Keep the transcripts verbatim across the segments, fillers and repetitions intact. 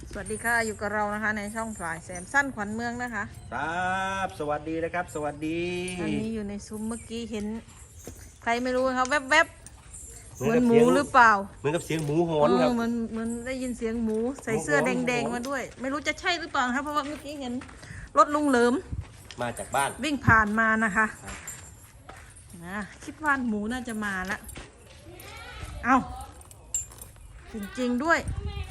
สวัสดีค่ะอยู่กับเรานะคะในช่องพลายแซมสั้นขวัญเมืองนะคะครับสวัสดีนะครับสวัสดีอันนี้อยู่ในซุ้มเมื่อกี้เห็นใครไม่รู้ครับแวบๆเหมือนหมูหรือเปล่าเหมือนกับเสียงหมูหอนครับเหมือนเหมือนได้ยินเสียงหมูใส่เสื้อแดงๆมาด้วยไม่รู้จะใช่หรือเปล่าครับเพราะว่าเมื่อกี้เห็นรถลุงเหลิมมาจากบ้านวิ่งผ่านมานะคะนะคิดว่าหมูน่าจะมาละเอาจริงๆด้วย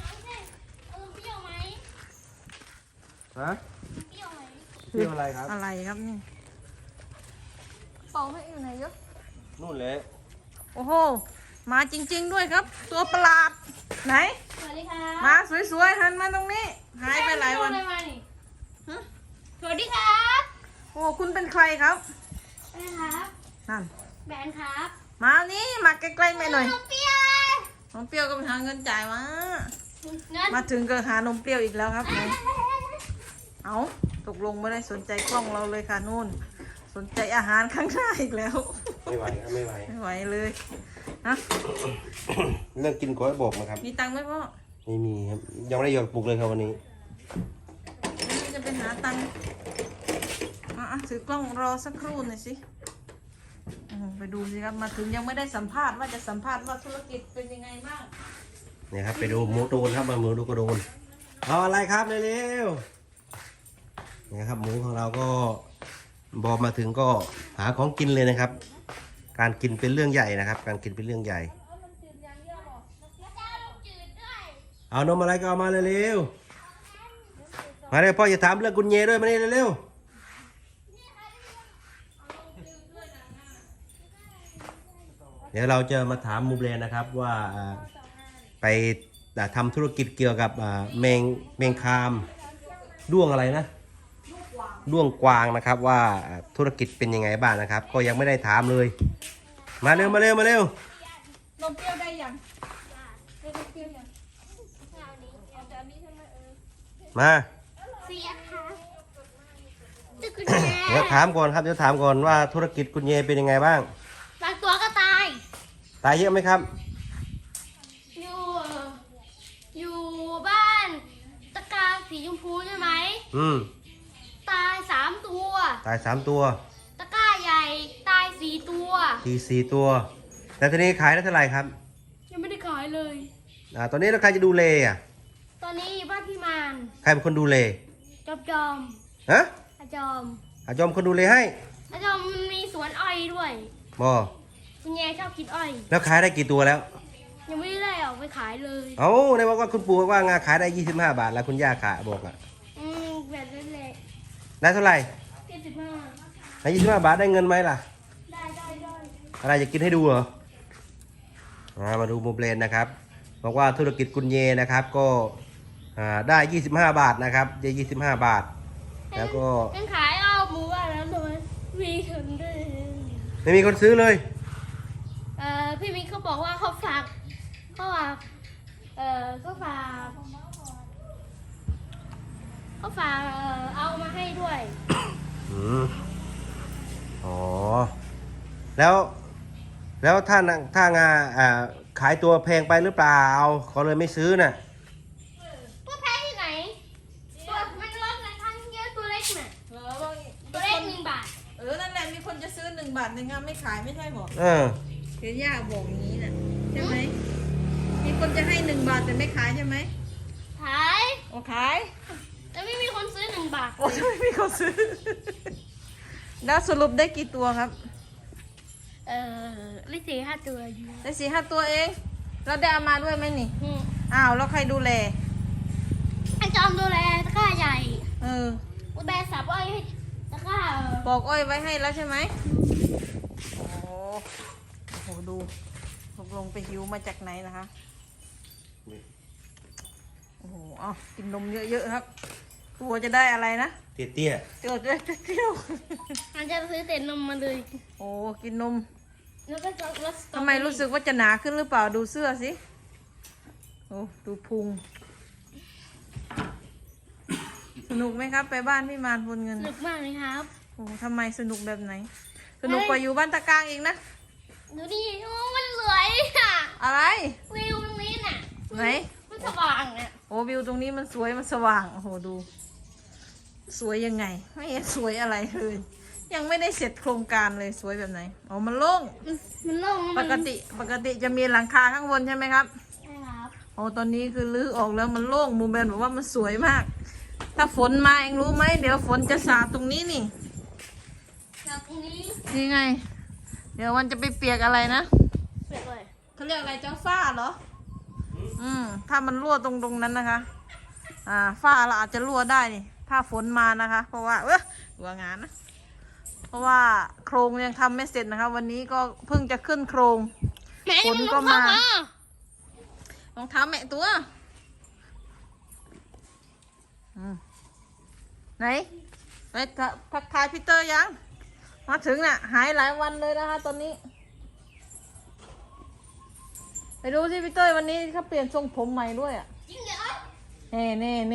ฮะเที่ยวอะไรครับอะไรครับนี่เป่าให้อยู่ไหนเยอะนู่นเลยโอ้โหมาจริงๆด้วยครับตัวประหลาดไหนสวัสดีค่ะมาสวยๆหันมาตรงนี้หายไปหลายวันสวัสดีครับโอ้คุณเป็นใครครับสวัสดีครับนั่นแบนครับมานี่มาใกล้ๆแม่หน่อยนมเปรี้ยวน้องเปรี้ยวก็ไปหาเงินจ่ายมาเงินมาถึงก็หานมเปรี้ยวอีกแล้วครับเอาตกลงไม่ได้สนใจกล้องเราเลยค่ะนู่นสนใจอาหารข้างหน้าอีกแล้วไม่ไหวครับไม่ไหวไม่ไหวเลยฮะเรื่องกินก๋วยบอกนะครับมีตังค์ไหมพ่อไม่มีครับยังไม่ได้หยอดปลุกเลยครับวันนี้วันนี้จะไปหาตังค์อ่ะถือกล้องรอสักครู่หน่อยสิไปดูสิครับมาถึงยังไม่ได้สัมภาษณ์ว่าจะสัมภาษณ์ว่าธุรกิจเป็นยังไงบ้างเนี่ยครับไปดูหมูตูนครับมาหมูดูกระโดนเอาอะไรครับเร็วๆเนี่ยครับหมูของเราก็บอมาถึงก็หาของกินเลยนะครับการกินเป็นเรื่องใหญ่นะครับการกินเป็นเรื่องใหญ่เอานมอะไรก็เอามาเร็วๆมาเร็วพ่ออย่าถามเรื่องกุญแจด้วยมานี่เร็วเดี๋ยวเราจะมาถามมูเบรนนะครับว่าไปทำธุรกิจเกี่ยวกับแมงแมงคามด้วงอะไรนะด้วงกวางนะครับว่าธุรกิจเป็นยังไงบ้างนะครับก็ยังไม่ได้ถามเลยมาเร็วมาเร็วมาเร็วนมเปรี้ยวได้ยังมาเสียค่ะตึกกุญเดี๋ยวถามก่อนครับเดี๋ยวถามก่อนว่าธุรกิจคุณเยเป็นยังไงบ้างบางตัวก็ตายตายเยอะไหมครับอยู่อยู่บ้านตะกาสีชมพูใช่ไหมอืมตายสามตัวตายสามตัวตะกร้าใหญ่ตายสี่ตัวสี่สี่ตัวแต่ทีนี้ขายได้เท่าไหร่ครับยังไม่ได้ขายเลยอ่าตอนนี้เราใครจะดูเลอ่ะตอนนี้บ้านพี่มานใครเป็นคนดูเลจอมจอมฮะอาจอมอาจอมคนดูเลให้อาจอมมีสวนอ้อยด้วยบอคุณแย่ชอบกินอ้อยแล้วขายได้กี่ตัวแล้วยังไม่ได้ออกไปขายเลยเอ้าในบอกว่าคุณปู่ว่างาขายได้ยี่สิบห้าบาทแล้วคุณย่าขายบอกอ่ะอืมแบบนั้นแหละได้เท่าไหร่ยี่สิบห้าได้ยี่สิบห้าบาทได้เงินไหมล่ะได้ได้ได้อะไรจะกินให้ดูเหรอมาดูโมเบรนนะครับบอกว่าธุรกิจกุญเยนะครับก็ได้ยี่สิบห้าบาทนะครับได้ยี่สิบห้าบาทแล้วก็ยังขายเอาหมูอ่ะแล้วทำไมมีคนด้วยไม่มีคนซื้อเลยเอ่อพี่มิกเขาบอกว่าเขาฝากเขาฝากเอ่อเขาฝากเขาฝากเอ่อเอามาให้ด้วยอืมอ๋อแล้วแล้วถ้าถ้างาอ่าขายตัวแพงไปหรือเปล่าเขาเลยไม่ซื้อน่ะตัวแพงที่ไหนตัวมันลดราคาเยอะตัวเล็กน่ะตัวเล็กหนึ่งบาทเออนั่นแหละมีคนจะซื้อหนึ่งบาทหนึ่งครับไม่ขายไม่ใช่หรอเออเห็นย่าบอกอย่างนี้น่ะใช่ไหมมีคนจะให้หนึ่งบาทแต่ไม่ขายใช่ไหมขายโอ้ขายแต่ไม่มีคนซื้อหนึ่งบาทโอ้ไม่มีคนซื้อแล้วสรุปได้กี่ตัวครับเออได้สี่ห้าตัวได้สี่ห้าตัวเองแล้วได้เอามาด้วยไหมนี่อ้าวแล้วใครดูแลไอ้จอมดูแลตะกร้าใหญ่เออกูแบสับอ้อยให้ตะกร้าปอกอ้อยไว้ให้แล้วใช่ไหมโอ้โหดูตกลงไปหิวมาจากไหนนะคะโอ้โหอ๋อกินนมเยอะๆครับตัวจะได้อะไรนะเตี้ยเตี้ยเตี้ยเตี้ยมันจะซื้อเต็นนมมาเลยโอ้กินนมแล้วก็ทำไมรู้สึกว่าจะหนาขึ้นหรือเปล่าดูเสื้อสิโอ้ดูพุงสนุกไหมครับไปบ้านพี่มารพลเงินสนุกมากเลยครับโอ้ทำไมสนุกแบบไหนสนุกกว่าอยู่บ้านตะกางเองนะดูดิโอ้มันสวยอ่ะอะไรวิวตรงนี้น่ะไหนมันสว่างอ่ะโอ้วิวตรงนี้มันสวยมันสว่างโอ้โหดู สวยยังไงไม่เห็นสวยอะไรเลยยังไม่ได้เสร็จโครงการเลยสวยแบบไหนอ๋อมันโล่งมันโล่งปกติปกติจะมีหลังคาข้างบนใช่ไหมครับใช่ครับโอ้ตอนนี้คือรื้อออกแล้วมันโล่งมูแบนบอกว่ามันสวยมาก ถ้าฝนมาเองรู้ไหมเดี๋ยวฝนจะสาดตรงนี้นี่จากตรงนี้นี่ไง เดี๋ยวมันจะไปเปียกอะไรนะเสร็จเลยเขาเรียกอะไรเจ้าฝ้าเหรออืมถ้ามันรั่วตรงตรงนั้นนะคะ อ่าฝ้าเราอาจจะรั่วได้นี่ถ้าฝนมานะคะ เพราะว่าเออหัวงานนะเพราะว่าโครงยังทำไม่เสร็จนะคะ วันนี้ก็เพิ่งจะขึ้นโครงแม่ฝนก็มา รองเท้าแม่ตัวอืมไหนไปทักทักทายพีเตอร์ยัง มาถึงน่ะ หายหลายวันเลยนะคะตอนนี้ ไปดูสิพีเตอร์วันนี้เขาเปลี่ยนทรงผมใหม่ด้วยอ่ะจริงเหรอเน่เน่เน่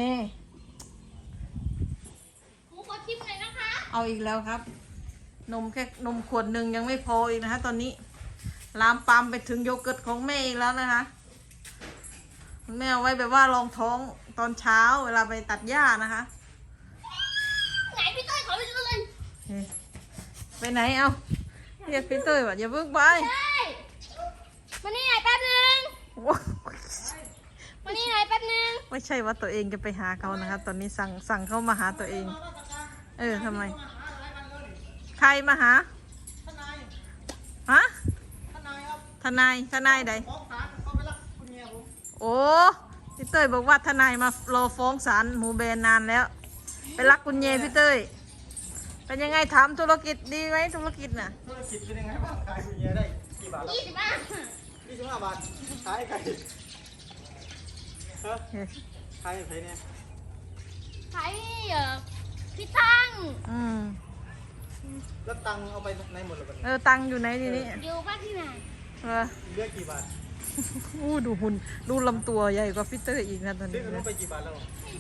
หมูขอชิมหน่อยนะคะเอาอีกแล้วครับ นมแค่นมขวดหนึ่งยังไม่พออีกนะคะตอนนี้ ลามปามไปถึงโยเกิร์ตของแม่อีกแล้วนะคะ แม่เอาไว้แบบว่ารองท้องตอนเช้าเวลาไปตัดหญ้านะคะไหนพี่ต้อยขอไปดูเลยเฮ้ยไปไหนเอาเรียกพีเตอร์ว่าอย่าเพิ่งไปใช่มานี่หน่อยแป๊บนึงโอ้มานี่หน่อยแป๊บนึงไม่ใช่ว่าตัวเองจะไปหาเขานะคะตอนนี้สั่งสั่งเขามาหาตัวเอง เออทำไม ใครมาหาฮะทนายทนายใดโอ้พี่เต้ยบอกว่าทนายมารอฟ้องศาลหมูแบนนานแล้ว ไปรักคุณเยพี่เต้ยเป็นยังไงถามธุรกิจดีไหมธุรกิจน่ะธุรกิจเป็นยังไงบ้างขายคุณเยได้กี่บาทแล้วยี่สิบบาทยี่สิบห้าบาทขายไก่เฮ้ยเฮ้ยขายไก่เนี่ยขายเอ่อพี่ตั้งอืมแล้วตังค์เอาไปไหนหมดเลยบัดเอนี้อตังค์อยู่ไหนทีนี้อยู่บ้านที่ไหนเออเหลือกี่บาทอู้ดูหุ่นดูลำตัวใหญ่กว่าพี่เต้ยอีกนะตอนซื้อนี้ขนมไปกี่บาทแล้ว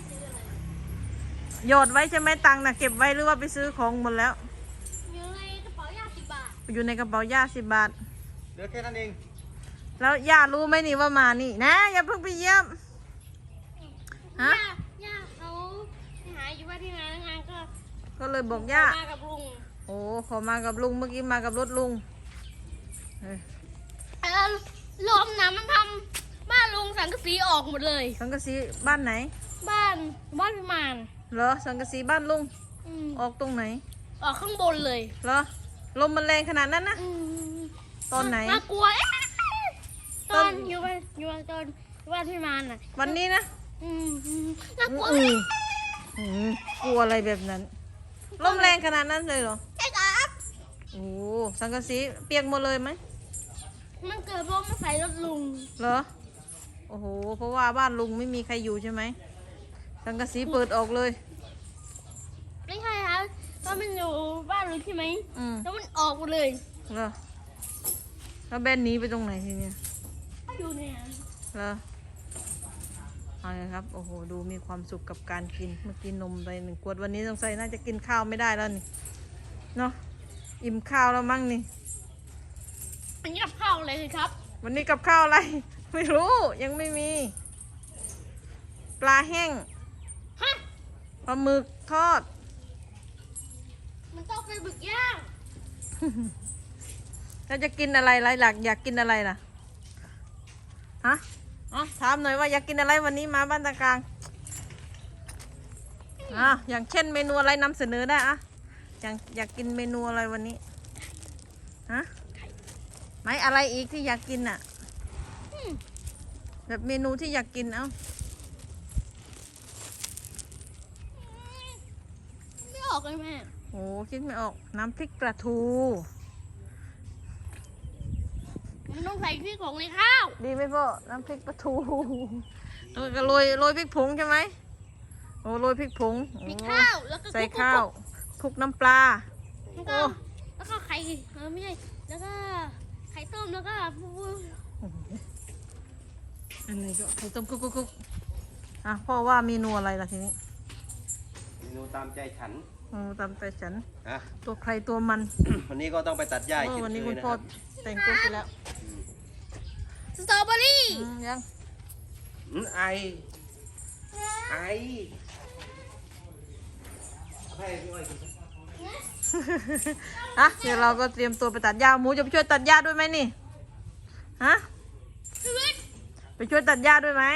หยอดไว้ใช่ไหมตังค์นะเก็บไว้หรือว่าไปซื้อของหมดแล้วอยู่ในกระเป๋ายาสิบบาทอยู่ในกระเป๋าย่าสิบบาทเหลือแค่นั้นเองแล้วย่ารู้ไหมนี่ว่ามานี่นะอย่าเพิ่งไปเยี่ยม ฮะย่าย่าเขาไปหาอยู่บ้านที่ไหนงานก็ก็เลยบอกย่ามากับลุงโอ้ขอมากับลุงเมื่อกี้มากับรถลุงเออเออลมนะมันทำบ้านลุงสังกะสีออกหมดเลยสังกะสีบ้านไหนบ้านบ้านพิมานเหรอสังกะสีบ้านลุงอืมออกตรงไหนออกข้างบนเลยเหรอลมมันแรงขนาดนั้นนะอืมตอนไหนน่ากลัวเอ๊ะตตออนนอยู่บ้านอยู่บ้านตอนบ้านพิมานอ่ะวันนี้นะอืมอืมน่ากลัวอืมอืมกลัวอะไรแบบนั้นลมแรงขนาดนั้นเลยเหรอใช่ครับโอ้สังกะสีเปียกหมดเลยไหมมันเกิดลมมาใส่รถลุงเหรอโอ้โหเพราะว่าบ้านลุงไม่มีใครอยู่ใช่ไหมสังกะสีเปิดออกเลยไม่ใช่ครับตอนมันอยู่บ้านลุงใช่ไหมอืมแล้วมันออกหมดเลยเหรอแล้วแบนหนีไปตรงไหนทีเนี้ยอยู่เนี่ยเหรอเอาเลยครับ โอ้โห ดูมีความสุขกับการกิน เมื่อกี้นมไปหนึ่งขวด วันนี้สงสัยน่าจะกินข้าวไม่ได้แล้วนี่ เนาะ อิ่มข้าวแล้วมั้งนี่อันนี้กับข้าวเลยครับวันนี้กับข้าวอะไร ไม่รู้ ยังไม่มี ปลาแห้งฮะปลาหมึกทอดมันต้องเป็นบึกย่างแล้วจะกินอะไรไรหลักอยากกินอะไรล่ะ ฮะอ๋อถามหน่อยว่าอยากกินอะไรวันนี้มาบ้านตะกลางอ่ะอย่างเช่นเมนูอะไรนำเสนอได้อะอยากอยากกินเมนูอะไรวันนี้ ฮะไหมอะไรอีกที่อยากกินอ่ะอืมแบบเมนูที่อยากกินเอ้าไม่ออกเลยแม่โอ้คิดไม่ออก น้ำพริกปลาทูมันต้องใส่พริกผงในข้าวดีไหมพ่อ น้ำพริกปลาทูแล้วก็โรยโรยพริกผงใช่ไหมโอ้โรยพริกผงพริกโอ้ข้าวแล้วก็ใส่คลุกๆๆข้าวคลุกน้ำปลาแล้วก็แล้วก็ไข่เออไม่ใช่แล้วก็ไข่ต้มแล้วก็ปุ๊บอันไหนก็ไข่ต้มกุ๊กกุ๊กกุ๊กอ่ะพ่อว่าเมนูอะไรล่ะทีนี้เมนูตามใจฉันโอ้ตามใจฉันอ่ะตัวใครตัวมันวันนี้ก็ต้องไปตัดหญ้าอีกโอ้เช่นวันนี้เคคุยณนะพ่อครับแต่งตัวไปแล้วสตรอเบอรี่อืมยังอืมไอให้พี่อ้อยกินอ่ะเดี๋ยวเราก็เตรียมตัวไปตัดหญ้าหมูจะไปช่วยตัดหญ้าด้วยไหมนี่ฮะไปช่วยตัดหญ้าด้วยไหม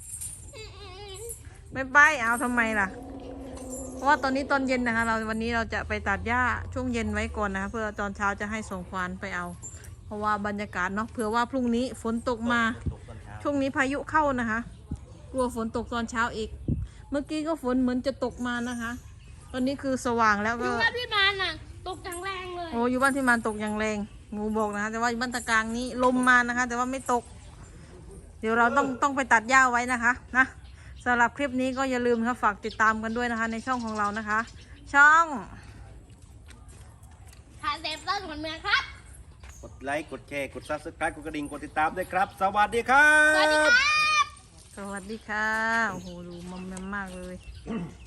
ไม่ไปเอาทำไมล่ะเพราะว่าตอนนี้ตอนเย็นนะคะเราวันนี้เราจะไปตัดหญ้าช่วงเย็นไว้ก่อนนะคะเพื่อตอนเช้าจะให้ส่งควานไปเอา เพราะว่าบรรยากาศเนาะเผื่อว่าพรุ่งนี้ฝนตกมาตกตอนเช้าช่วงนี้พายุเข้านะคะกลัวฝนตกตอนเช้าอีก เมื่อกี้ก็ฝนเหมือนจะตกมานะคะ ตอนนี้คือสว่างแล้วดูก็ว่าพี่มานอ่ะตกจังแรงเลยโอ้อยู่บ้านที่มันตกอย่างแรงงูบอกนะคะแต่ว่าอยู่บ้านตะกลางนี้ลมมานะคะ แต่ว่าไม่ตก เดี๋ยวเราต้องต้องไปตัดหญ้าไว้นะคะนะสำหรับคลิปนี้ก็อย่าลืมค่ะฝากติดตามกันด้วยนะคะ ในช่องของเรานะคะ ช่องทานเซฟต้นเหมือนเมืองครับกดไลค์กดแชร์กดซับสไครต์กดกระดิ่งกดติดตามด้วยครับ สวัสดีครับสวัสดีครับสวัสดีค่ะโอ้โหดูมอมแมมมากเลย